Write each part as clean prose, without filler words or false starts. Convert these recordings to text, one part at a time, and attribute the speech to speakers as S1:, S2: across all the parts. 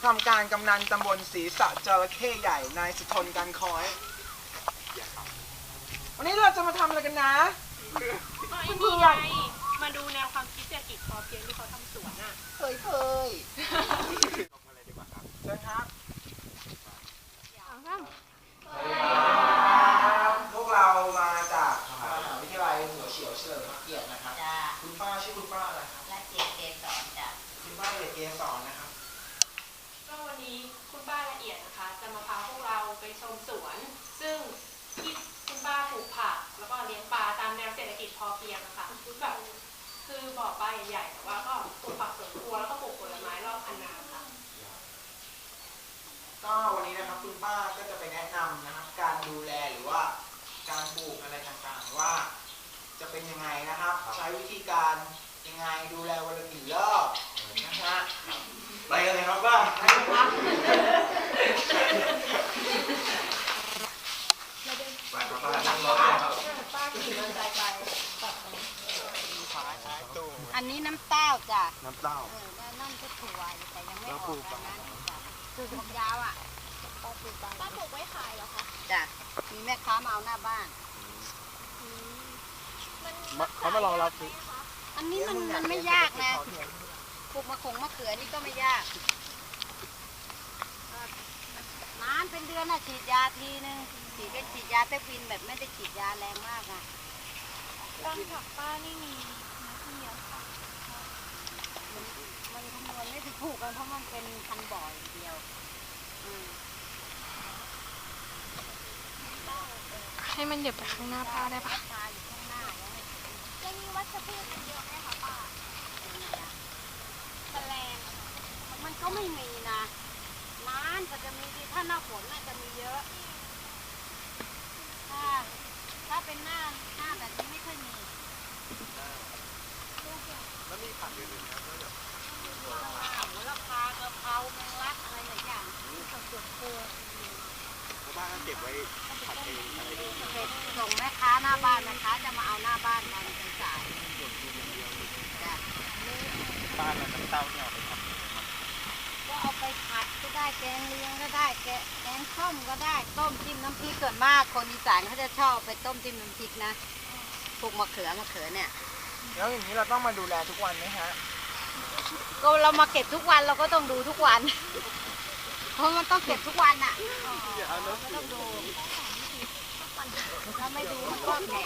S1: ทำการกำนันตำบลศรีสะจระเข้ใหญ่นายสุทนกันคอยวันนี้เราจะมาทำอะไรกันนะ
S2: นี่ไงมาดูแนวความคิดเศรษฐกิจพอเพียงที่เขาทำสวนอ่ะ
S1: เคยลงมาเลยดีกว่าครับเชิญครับพวกเรามาจากมหาวิทยาลัยหัวเฉียวเฉลิมพระเกียรตินะครับคุณป้าชื่อคุณป้าอะไรครับ
S3: ละเอียดเกสรจ้ะ
S1: คุณป้าละเอียดเกสรนะครับ
S2: ก็วันนี้คุณป้าละเอียดนะคะจะมาพาพวกเราไปชมสวนซึ่งที่คุณป้าปลูกผักแล้วก็เลี้ยงปลาตามแนวเศรษฐกิจพอเพียงนะคะแบบคือบ่อปลาใหญ่ๆแต่ว่าก็ปลูกผักสวนครัวแล้วก็ปลูกผลไม้รอบคันนาค่ะ
S1: ก็วันนี้นะครับคุณป้าก็จะไปแนะนำนะครับการดูแลหรือว่าการปลูกอะไรต่างๆว่าจะเป็นยังไงนะครับใช้วิธีการยังไงดูแลวันละกี่รอบนะฮะไปกันเลยครับป้าไปครับไปครับป้านั่งรถเลยครับ
S2: ป้าขี่มอเตอร์ไซค์ไป
S3: อันนี้น้ำเต้าจ้ะ
S1: น้ำเต้า
S3: นั่นก็ถั่วแต่ยังไม่ออกนะจ้ะคือผมยาวอ่ะ
S2: ป้าปลูกไว้ขายเหรอคะ
S3: จ้ะมีแม่ค้ามาเอาหน้าบ้าน
S1: เขามารอรับซื้อ
S3: อันนี้มันไม่ยากนะปลูกมะเขือนี่ก็ไม่ยากนานเป็นเดือนน่ะฉีดยาทีนึงฉีดยาเตฟินแบบไม่ได้ฉีดยาแรงมากอ่ะ
S2: การผักป้านี่มีนะที่เยอะค่ะ
S3: มันคำนวณไม่ถูกกันเพราะมันเป็นพันบ่ออย่างเดียว
S2: ให้มันเดี๋ยวไปข้างหน้าป้าได้ปะ
S3: ยังมีวัชพืชเยอะไหมคะป้าแมลงมันก็ไม่มีนะน้ำก็จะมีถ้าหน้าฝนน่าจะมีเยอะถ้าเป็นหน้าแบบนี้ไม่ค่อยมี
S1: แล้วมีผักอื่นๆครับแล้วแบบ
S3: โหระพากะเพราแมงลักอะไรหลายอย่างผักสวนครัว
S1: แล้วบ้านเก็บไว้ผัดเองอะไรเอง
S3: ส่งแม่ค้าหน้าบ้านนะคะจะมาเอาหน้าบ้านตอนสาย
S1: บ้านเราน้ำเต้าเนี่ยเอาไปทำ
S3: ก็เอาไปผัดก็ได้แกงเลี้ยงก็ได้แกงส้มก็ได้ต้มจิ้มน้ำพริกส่วนมากคนอีสานเขาจะชอบไปต้มจิ้มน้ำพริกนะพวกมะเขือเนี่ย
S1: แล้วอย่างนี้เราต้องมาดูแลทุกวันไหมฮะ
S3: ก็เรามาเก็บทุกวันเราก็ต้องดูทุกวันเพราะมันต้องเก็บทุกวันอ่ะก็ต้องดูถ้าไม่ดูมันก็แก่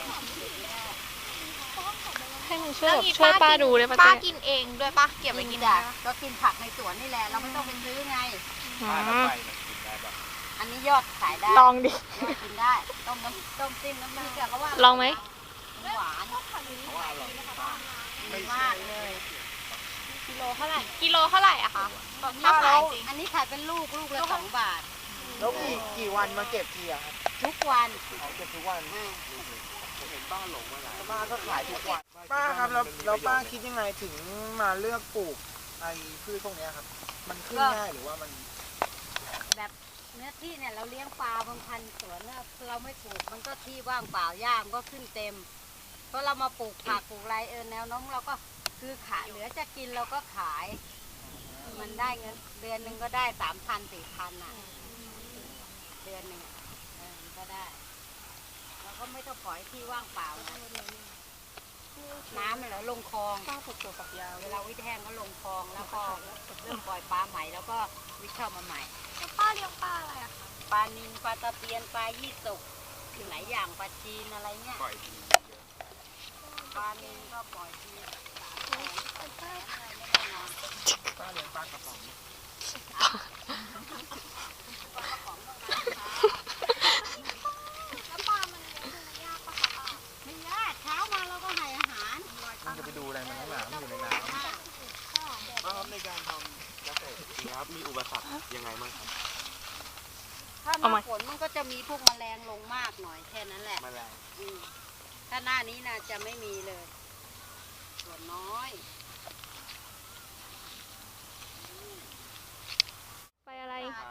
S2: ให้มันช่วยป้าดูเลยป้ากินเองด้วยป้าเก็บไว้กินได้
S3: ก็กินผักในสวนนี่แหละเราไม่ต้องไปซื้อไงอันนี้ยอดขายได้
S2: ลองดิ
S3: กินได้ต้มจิ้มน้ำพริกเขาว่า
S2: ลองไหม
S3: หวานมากเลย
S2: กิโลเท่าไหร่อะคะ
S3: ถ้าขายอันนี้ขายเป็นลูกละ2 บาท
S1: แล้วกี่วันมาเก็บทีอะครับ
S3: ทุกวัน
S1: เก็บทุกวันผมเห็นป้าหลงมาหลายป้าก็ขายทุกวันป้าครับแล้วป้าคิดยังไงถึงมาเลือกปลูกไอ้พืชพวกนี้ครับมันขึ้นง่ายหรือว่ามัน
S3: แบบเนื้อที่เนี่ยเราเลี้ยงปลาบางพันสวนเนี่ยเราไม่ปลูกมันก็ที่ว่างเปล่าหญ้ามันก็ขึ้นเต็มเพราะเรามาปลูกผักปลูกไรแนวน้องเราก็คือขายเหลือจะกินเราก็ขายมันได้เงินเดือนนึงก็ได้3,000-4,000อ่ะเดือนนึงก็ได้เราก็ไม่ต้องปล่อยที่ว่างเปล่าน้ำเนี่ยลงคลองเวลาวิทย์แห้งก็ลงคลองแล้วก็เริ่มปล่อยปลาใหม่แล้วก็วิทย์เข้ามาใหม่
S2: ป้าเลี้ยงปลาอะไรอะคะ
S3: ปลานิลปลาตะเพียนปลายี่สกหลายอย่างปลาจีนอะไรเงี้ยปลานิลก็ปล่อยที
S1: ป้าเลี้ยงปลากระป๋อง
S2: แล้วปลามันเลี้ยงยากปะคะป้า
S3: ไม่ยากเช้ามาเราก็ให้อาหาร
S1: มันจะไปดูอะไรมันข้างหลังมันอยู่ในน้ำครับในการทำเกษตรครับมีอุปสรรคยังไงบ้างครับ
S3: ถ้าหน้าฝนมันก็จะมีพวกแมลงลงมากหน่อยแค่นั้นแหละ
S1: แมลง
S3: ถ้าหน้านี้นะจะไม่มีเลยส่วนน้อย
S2: ไปอะไร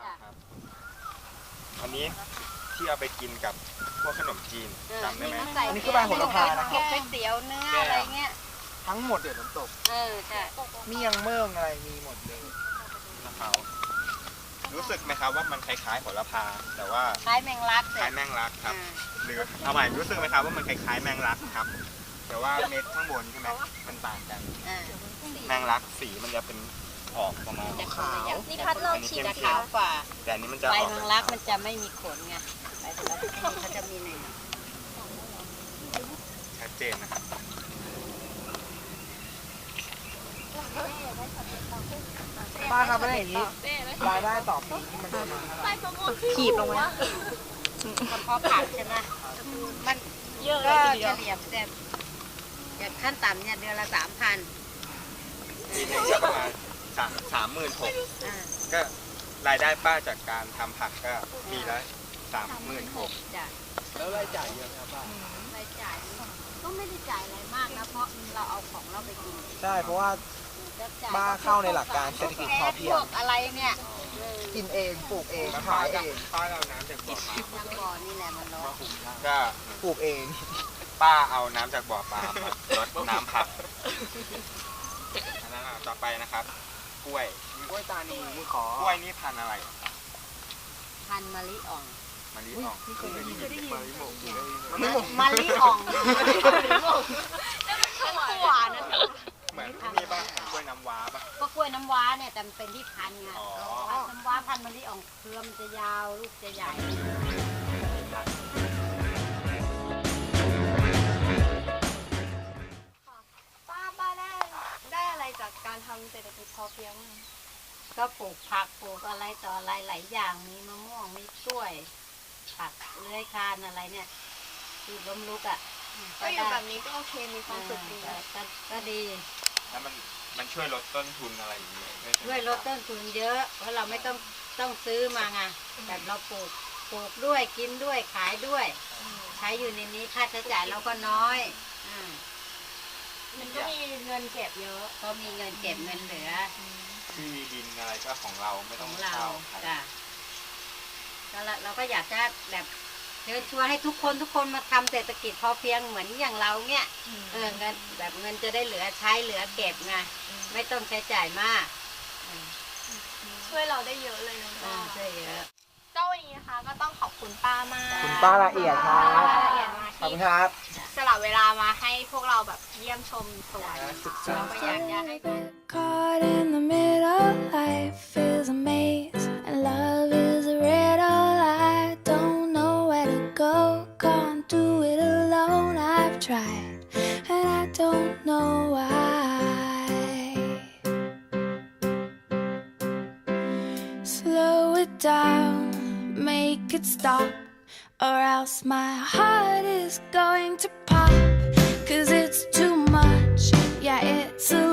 S4: อันนี้ที่เอาไปกินกับพวกขนมจีนจำได้ไหม
S1: อันนี้คือใบโหระพานะ
S3: ก๋วยเตี๋ยวเนื้ออะไรเงี้ย
S1: ทั้งหมดเดี๋ยวน้ำตก
S3: ใช่
S1: เมี่ยงเมืองอะไรมีหมดเลย
S4: มะพร้าวรู้สึกไหมครับว่ามันคล้ายๆโหระพาแต่ว่า
S3: คล้ายแมงลัก
S4: คล้ายแมงลักครับ
S3: อ่า
S4: หรือเอาใหม่รู้สึกไหมครับว่ามันคล้ายๆแมงลักครับ แต่ว่าเม็ดข้างบนใช่ไหมมันต่างกัน
S3: อ่า
S4: แมงลักสีมันจะเป็นออกประมาณ
S3: จะขาว
S2: นี่พัดลองฉีด
S3: จะ
S2: นะ
S3: ขาวกว่า
S4: แต่อันนี้มันจะ
S3: ใบ
S4: ออก
S3: แมงลักมันจะไม่มีขนไงใบแมงลักเขาจะมีหนึ่ง
S4: ชัดเจนนะครับ
S1: ป้าครับไม่ได้อย่างนี้รายได้ต่อปีที่มันประมาณเท่าไหร่
S2: ขีบลงมา
S3: เฉพาะผักใช่ไหมมัน
S2: เยอะเล
S3: ก็
S2: ยทีเดี
S3: เฉ
S2: ยว
S3: ลี่ยแต่อย่างขั้นต่ำเนี่ยเดือนละ 3,000
S4: ปีหนึงก็ประมาณ36,000
S3: อ่า
S4: ก็รายได้ป้าจากการทำผักก็ปีละ36,000
S3: จ้ะ
S1: แล้วรายจ่ายเยอะไหมครับป้าร
S3: ายจ่ายก็ไม่ได้จ่ายอะไรมากนะ เพราะเราเอาของเราไปกิน
S1: ใช่เพราะว่า
S3: จะจ่ย
S1: ป้าเข้าในหลักการเศรษฐกิจพอเพียง
S3: พวกอะไรเนี่ย
S1: กินเองปลูกเอง
S4: แล้ว
S1: ขายเอง
S4: ป้าเอาน้ำจากบ่อปลา
S3: ทางบ่อนี่แหละมันร้อน
S4: ก็
S1: ปลูกเอง
S4: ป้าเอาน้ำจากบ่อปลามาลดน้ำผักอันนั้นต่อไปนะครับ กล้วย
S1: กล้วยตานีขอก
S4: ล้วยนี่พันธุ์อะไร
S3: พันธุ์มะลิอ่อง
S4: มะลิอ่อง
S1: เคยได้ยินมะลิหมก
S3: มะลิอ่อง
S2: หวานนะ
S4: เหมือนที่นี่ป่ะเหมือนกล้วยน้ำว้าป่ะ
S3: ก็กล้วยน้ำว้าเนี่ยแต่มันเป็นที่พันธุ์ไง
S4: อ๋อ
S3: พันธุ์น้ำว้าพันธุ์มะลิอ่องเครือมันจะยาวลูกจะใหญ่
S2: ป้าได้อะไรจากการทำเศรษฐกิจพอเพียงบ้าง
S3: ก็ปลูกผักปลูกอะไรต่ออะไรหลายอย่างมีมะม่วงมีกล้วย ผักเลื้อยคลานอะไรเนี่ยคือล้มลุกอ่ะ
S2: ก็อยู่แบบนี้ก็โอเคมีความสุขดี
S3: ก็ดี
S4: แล้วมันช่วยลดต้นทุนอะไรอย่างเงี้ยไหม
S3: ช่วยลดต้นทุนเยอะ เพราะเราไม่ต้องซื้อมาไงแบบเราปลูกด้วยกินด้วยขายด้วย ใช้อยู่ในนี้ค่าใช้จ่ายเราก็น้อยอ่า
S2: มันก็มีเงินเก็บเยอะ
S3: ก็มีเงินเก็บเงินเหลือ
S4: ที่ดินอะไรก็ของเราไม่
S3: ข
S4: ต้อ
S3: อง ง
S4: มา
S3: เรา
S4: เช่าใคร
S3: จ้ะแล้วเราก็อยากจะแบบเชิญชวนให้ทุกคนมาทำเศรษฐกิจพอเพียงเหมือนอย่างเราเนี่ยเงินแบบเงินจะได้เหลือใช้เหลือเก็บไงไม่ต้องใช้จ่ายมาก
S2: ช่วยเราได้เยอะเลยนะ
S3: ช่วยเยอะ
S2: ก็วันนี้นะคะก็ต้องขอบคุณป้ามาก
S1: คุณป้าละเอียดครับ
S2: ป้าละเอียดมาก
S1: ขอบ
S2: ที่
S1: คุณครับ
S2: สละเวลามาให้พวกเราแบบเยี่ยมชมสวน
S1: ศึกษา
S3: เราก็อยากจะให้
S5: Caught in the middle, life is a maze, and love is a riddle. I don't know where to go, can't do it alone. I've tried, and I don't know why. Slow it down, make it stop, or else my heart is going to pop. 'Cause it's too much, yeah, it's a